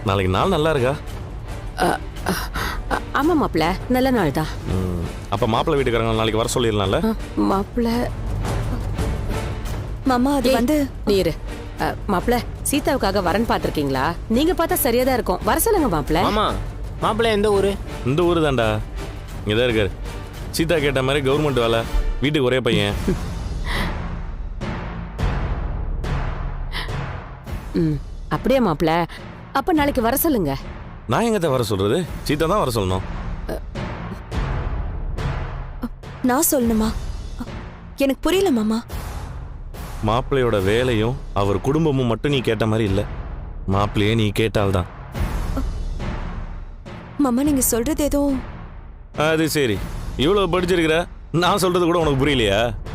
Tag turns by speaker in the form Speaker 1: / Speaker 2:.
Speaker 1: நாளைக்கு நாள் நல்லா இருக்கா?
Speaker 2: ஆமா மாப்பிள்ள, நல்ல நாள் தான்.
Speaker 1: அப்ப மாப்பிள்ளை வீட்டுக்காரங்க நாளைக்கு வர சொல்லிடலாம்ல?
Speaker 2: மாப்பிள்ள
Speaker 3: மாமா அது வந்து
Speaker 2: நீரு மாப்பிள்ள, சீதாவுக்காக வரன் பாத்திருக்கீங்களா? நீங்க பார்த்தா சரியா தான் இருக்கும், வர சொல்லுங்க மாப்பிள்ள.
Speaker 4: மாமா மாப்பிள்ளை எந்த ஊரு?
Speaker 1: இந்த ஊரு தான்டா. இங்கதான் இருக்காரு. சீதா கேட்ட மாதிரி கவர்மெண்ட் வேலை, வீட்டுக்கு ஒரே பையன்.
Speaker 2: அப்படியே மாப்பிள்ள, அப்ப நாளைக்கு வர சொல்லுங்க.
Speaker 1: நான் எங்கத்த வர சொல்றது? சீதா தான் வர சொல்லணும்.
Speaker 3: நான் சொல்லணுமா? எனக்கு புரியல மாமா.
Speaker 1: மாப்பிள்ளையோட வேலையும் அவர் குடும்பமும் மட்டும் நீ கேட்ட மாதிரி இல்ல, மாப்பிள்ளையே நீ கேட்டால்தான்.
Speaker 3: மாமா நீங்க சொல்றது ஏதோ.
Speaker 1: அது சரி, இவ்வளவு படிச்சிருக்கிற, நான் சொல்றது கூட உனக்கு புரியலையா?